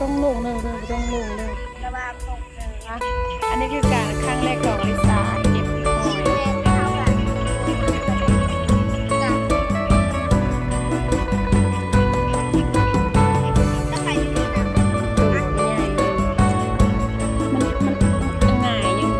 ต้องลงเลยบ่ต้องลงเลยระบางตกเลยนะอันนี้คือการครั้งแรกของอลิสาเก็บหอยแม่เท่ากันจ้ะถ้าใครอยู่นี่นะตัวใหญ่อยู่มันง่ายอยู่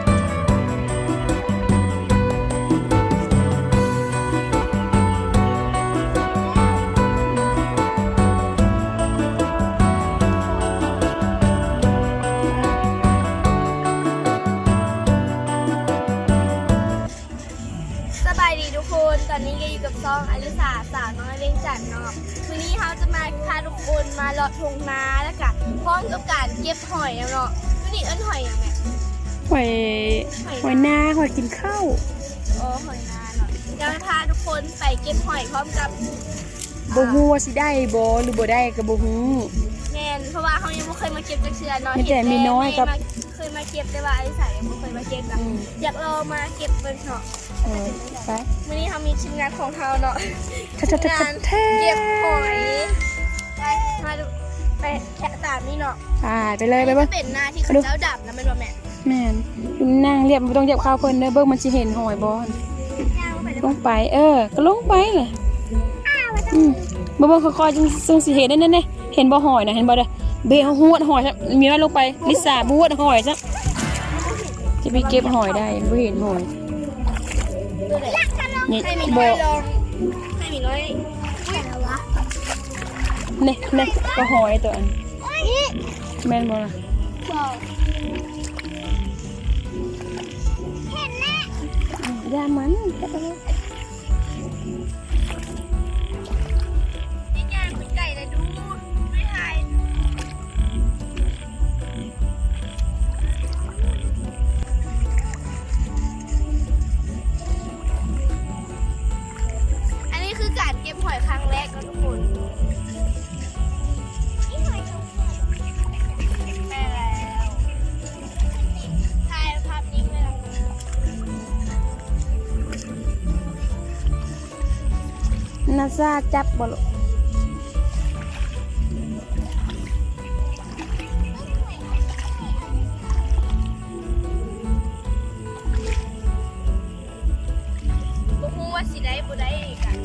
สบายดีทุกคนตอนนี้ก็อยู่กับซองอลิสาสาวน้อยเลี้ยงจันทร์เนาะวันนี้เขาจะมาพาทุกคนมาเลาะทงนาแล้วก็พร้อมกับการเก็บหอยเนาะวันนี้เอิ้นหอยอย่างไงหอยนาหอยกินข้าวโอ้หอยนาเนาะจะพาทุกคนไปเก็บหอยพร้อมกับบ่ฮู้ว่าสิได้บ่หรือบ่ได้ก็บ่ฮู้แม่นเพราะว่าเขายังไม่เคยมาเก็บจักเชือเนาะมีแต่มีน้อยกับเคยมาเก็บแต่ว่าอลิสายังไม่เคยมาเก็บกับอยากลองมาเก็บเบิ่งเนาะไปวันนี้เขามีทีมงานของเขาเนาะทัดงานเก็บหอยไปมาดูไปแค่ตามนี่เนาะไปเลยไปเบิ่งเป็นหน้าที่เขาเจ้าดับนะเป็นว่าแม่แม่นนั่งเรียบบ่ต้องเหยียบข้าวเพิ่นเด้อเบิ่งมันสิเห็นหอยบ่ย่างไปลงไปก็ลงไปเลยบ่ค่อยๆจึงสิเห็นนั่นๆเห็นบ่หอยนะเห็นบ่เด้อเบะหวดหอยซะมีน้อยลงไปลิซ่าบวดหอยซะจะไปเก็บหอยได้บ่เห็นหอยนี่ให้มีบ่น้อยลองให้มีน้อยอะไรวะนี่ก็หอยตัวอันแม่นบ่ล่ะบอกเห็นแน่อย่ามันนี่ย่างเป็นไก่เลยดูไม่ทายอันนี้คือการเก็บหอยครั้งแรกนะทุกคนนี่หอยสองคนแม่แล้วถ่ายภาพนิ่งเลยนะนาซาจับบ่ลูกบ่ฮู้ว่าสิได้บ่ได้อีกอ่ะ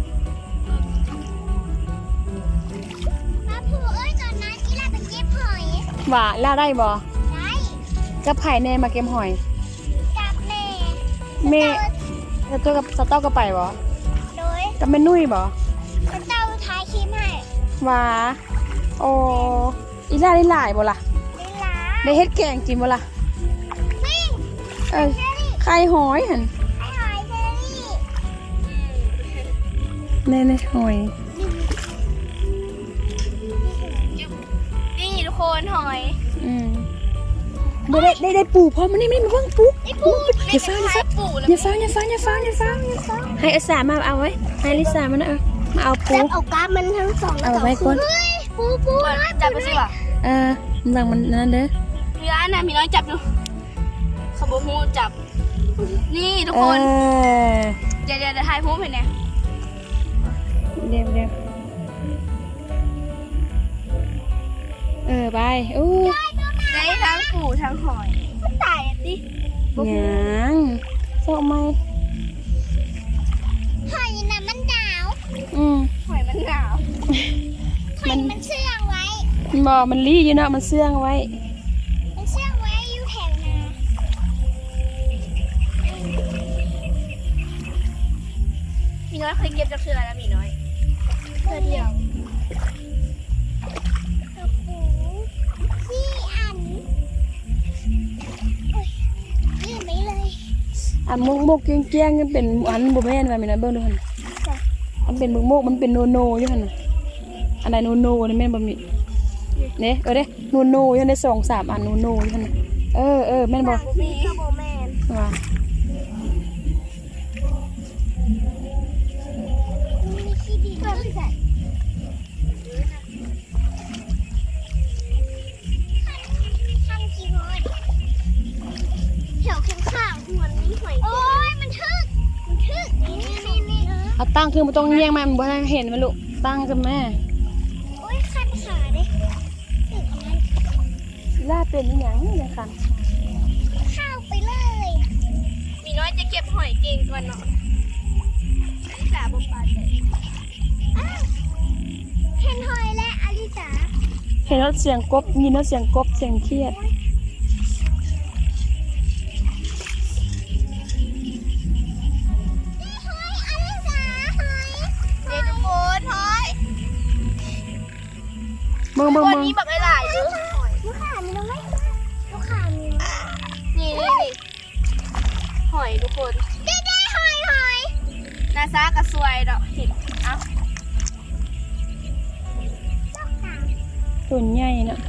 มาผู้เอ้ยก่อนนะที่เราไปเก็บหอยว่าล่าได้บ่ได้กับไผแน่มาเก็บหอยกับแม่แม่แล้วตัวกับสต๊อกก็ไปบ่โดยกับแม่นุ้ยบ่พระเจ้าท้ายคลิปให้ว่าโอ้อีล่าได้หลายบ่ล่ะเวลาได้เฮ็ดแกงกินบ่ล่ะวิ่งไข่หอยหั่นให้หอยเชอรี่แน่หอยนี่ทุกคนหอยได้ปูพร้อมมันนี่มาเบิ่งปูไอ้ปูอย่าฟ้าปูแล้วอย่าฟ้าให้อาสามาเอาไว้ให้ลิซ่ามันมาเอาปูจับเอากล้ามมันทั้งสองแล้วเอาไว้ก่อนเฮ้ยปูจับไปสิวะมันสั่งมันนั่นเด้อมีร้านน่ะมีน้อยจับดูขบฮูจับ นี่ทุกคน เดี๋ยวถ่ายพูดเห็นไหมเดี๋ยวไปอู้ได้ทั้งปูทั้งหอยมันตายอ่ะดิหยังชอบไหมหอยน่ะมันหนาว หอยมันหนาวหอยมันเชื่องไว้มันรีอยู่เนาะมันเสื่องไว้มันเชื่องไว้อยู่แถวนามีน้อยเคยเก็บจากเชือแล้วมีน้อยเชือเดียวพี่อันยืนไปเลยอันมุกเกี้ยงๆเป็นอันบ่แม่นว่ามีนะเบิ่งดูหั่นอันเป็นมุกมันเป็นโนอยู่หั่นน่ะอันใดโนนี่แม่นบ่มีเด้เด้โนอยู่ใน2-3อันโนอยู่หั่นน่ะแม่นบ่มีข้าวโบแมนว่ามีขี้ดีก็ไม่ใส่ทำกี่หอยแถวข้างๆหัวนี้หอยโอ้ยมันทึกนี่เอาตั้งคือบ่ต้องเงียงมันบ่ให้เห็นมันลูกตั้งซะแม่โอ้ยคันขาดิล่าเป็นอีหยังนี่นะคะเข้าไปเลยมีน้อยจะเก็บหอยเก่งก่อนเนาะอลิสาบุปผาเลยเห็นหอยและอลิสาเห็นแล้วเสียงกบยินแล้วเสียงกบเสียงเครียดเดี๋ยวทุกคนหอยมึงวันนี้บักหลายๆดูลูกขามีน้องไหมลูกขามีนี่หอยทุกคนได้หอยนาซากระสวยดอกเห็นเอ้าตัวใหญ่นะ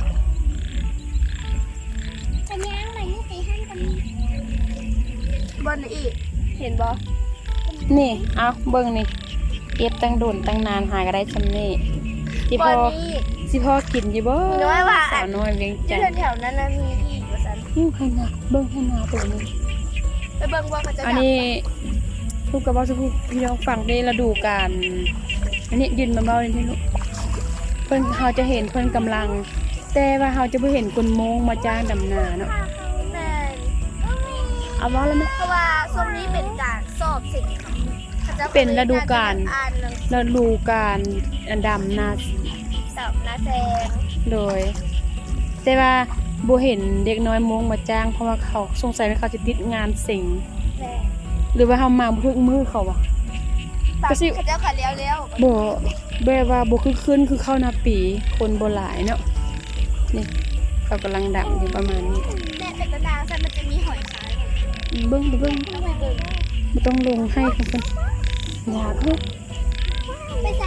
เป็นยังไงนี่ตีห้างกันบนอีกเห็นบ่นี่เอาเบิ่งนี่เก็บตั้งโดนตั้งนานหาก็ได้ซำนี่ที่บพ่อนนี้สิพ่อกินอยู่บ่มีน้อยว่าสาวน้อยเวียงจันทร์แถวนั้นมีอีกว่าสันให้นาเบิ่งให้นาตัวนี้ไปเบิ่งว่าเขาจะอันนี้ลูกกระบอกสุภพี่น้องฟังได้ฤดูกาลอันนี้ยืนมาเบาเลยที่ลูกเพิ่นเราจะเห็นเพิ่นกำลัง แต่ว่าเราจะบ่เห็นคนโมงมาจ้างดำนาเนาะแม่นเอาว่าแล้วไหมเพราะว่าช่วงนี้เป็นการสอบสิ่งเนาะเขาจะเป็นฤดูกาลอ่านหนังฤดูกาลดำนาสอบนาแซงโดย แต่ว่าบ่เห็นเด็กน้อยโมงมาจ้างเพราะว่าเขาสงสัยว่าเขาจะติดงานสิงแม่หรือว่าเฮามาบ่ถึงมือเขาวะ ก็สิเขาจะขัดเลี้ยวบ่แบบว่าบ่คือขึ้นคือเข้าหน้าปีคนบ่หลายเนาะนี่เขากำลังดังอยู่ประมาณนี้แม่เป็นตะดางใช่มันจะมีหอยขายเบิ่งต้องไปเบิ่งบ่ต้องลงให้เพิ่นอยากเด้อไปใส่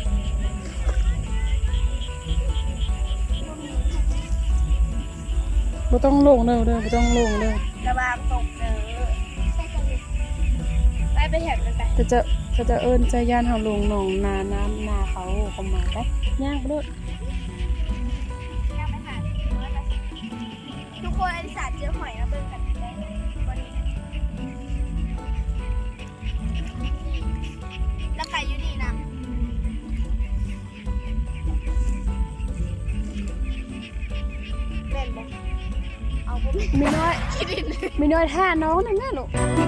บ่ต้องลงเด้อบ่ต้องลงเด้อระบางตกเด้อไปแถบนั้นไปจะเอิ้นใจย่านเฮาลงหนองนาน้ำนาเขาเข้ามาไปย่างไปโลดทุกคนอลิสาเจอหอยแล้วเบิ่งกันได้วันนี้แล้วไก่อยู่นี่นะแม่นบ่เอาบ่มีน้อยมีน้อยท่าน้องนั่นน่ะลูก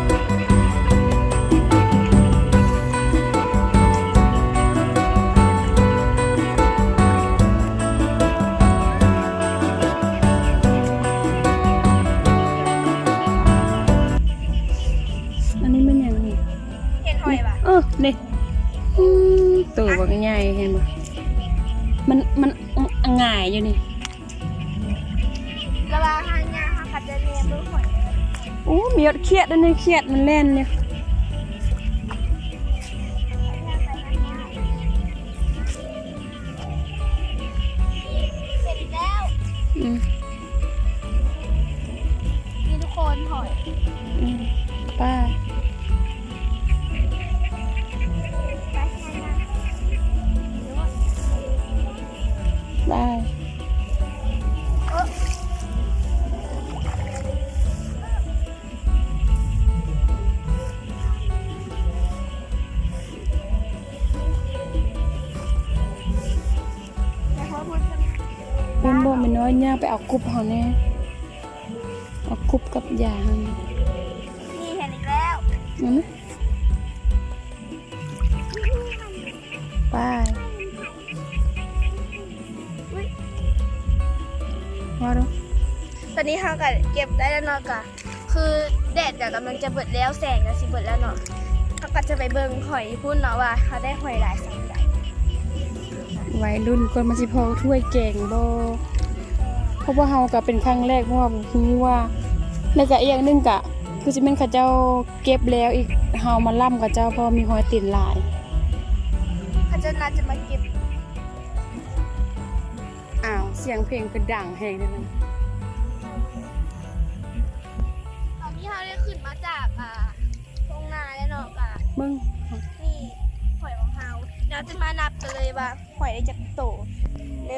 อันนี้มันยังนี่เห็นหอยป่ะนี่ตัวบักใหญ่เห็นบ่มันง่ายอยู่นี่ระบางหางยาหาขัดจะเนียเบิ่งหอยโอ้มียดเครียดอันนี้เครียดมันแล่นเนี่ยเสร็จแล้วอืมนี่ทุกคนหอยอืมป้าไปทางนั้นได้ เป็นบ่ไม่น้อยย่างไปเอากุบเฮาแน่เอากุบกับยาเฮานี่นี่เห็นอีกแล้วเอาไหมไปว่าดูตอนนี้เขาก็เก็บได้แล้วเนาะกะคือแดดกำลังจะเบิดแล้วแสงก็สิเบิดแล้วเนาะเขาก็จะไปเบิ่งหอยพุ่นเนาะว่าเขาได้หอยหลายสังใดวัยรุ่นก่อนมาสิพอถ้วยแกงบ่เพราะว่าเฮาก็เป็นครั้งแรกเพราะว่าบ่รู้ว่าแล้วก็อีกอย่างหนึงก็คือสิแม่นเขาเจ้าเก็บแล้วอีกเฮามาล่ำกับเจ้าเพราะมีหอยติดหลายเขาจะน่าจะมาเก็บอ้าวเสียงเพลงคือดังแฮงเลยนะตอนนี้เขาได้ขึ้นมาจากทุ่งนาแล้วเนาะกะมึงนี่หอยของเขาเราจะมานับกันเลยว่าหอยได้จากโต1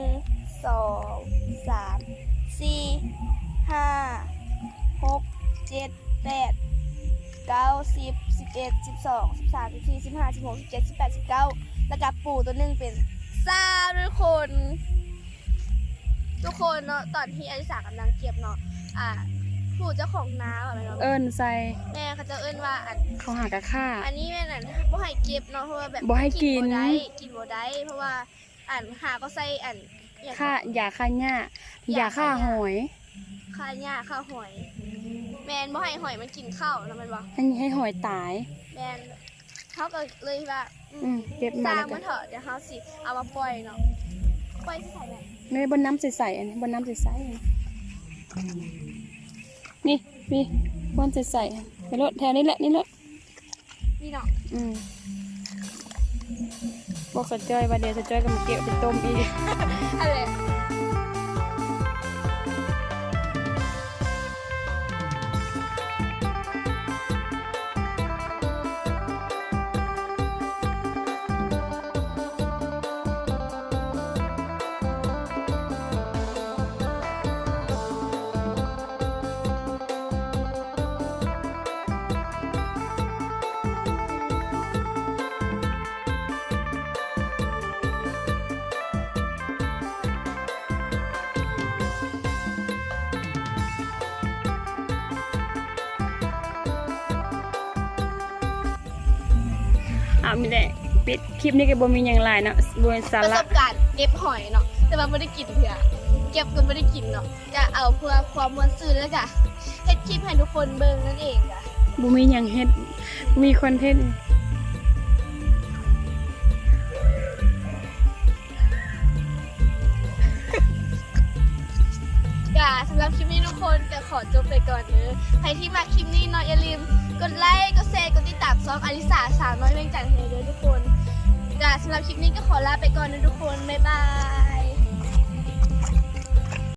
2 3 4 5 6 7 8 9 10 11 12 13 14 15 16 17 18 19แล้วก็ปูตัวหนึ่งเป็น3ทุกคนทุกคนเนาะตอนที่อลิสากำลังเก็บเนาะผู้เจ้าของนาแบบนั้นเนาะเอิ้นใส่แม่เขาจะเอิ้นว่าเขาหากะค่าอันนี้แม่นั่นบ่ให้เก็บเนาะเพราะว่าแบบบ่ให้กินบ่ได้กินบ่ได้เพราะว่าหาก็ใส่อย่างค่าอย่าค่าหญ้าอย่าค่าหอยค่าหญ้าค่าหอย แม่นบ่ให้หอยมันกินข้าวนะแม่นบ่ให้หอยตายแม่นเขาก็เลยว่าเก็บสมาร้างแล้วก็มันเถอะเดี๋ยวเขาสิเอามาปล่อยเนาะปล่อยที่ใส่แบบไม่บนน้ำใสๆอันนี้บนน้ำใสๆนี่พี่บนใสๆไปรถแถวนี้แหละนี่แหละนี่เนาะบอกสะจ้อยว่าเดี๋ยวสะจ้อยก็มาเก็บไปต้มอีกอะไรมีแต่ปิดคลิปนี้ก็บ่มีอย่างไรเนาะบนสาประสระบการณ์เก็บหอยเนาะแต่ว่าไม่ได้กินเพื่อเก็บก็ไม่ได้กินเนาะจะเอาเพื่อความมวลซื่นแล้วก็เฮ็ดคลิปให้ทุกคนเบิ่งนั่นเองจ้ะบ่มีอย่างเฮ็ดมีคอนเทนต์สำหรับคลิปนี้ทุกคนจะขอจบไปก่อนเด้อใครที่มาคลิปนี้เนาะอย่าลืมกดไลค์กดแชร์กดติดตามซองอลิสาสาวน้อยเวียงจันทร์ให้เด้อทุกคนสำหรับคลิปนี้ก็ขอลาไปก่อนนะทุกคนบ๊ายบาย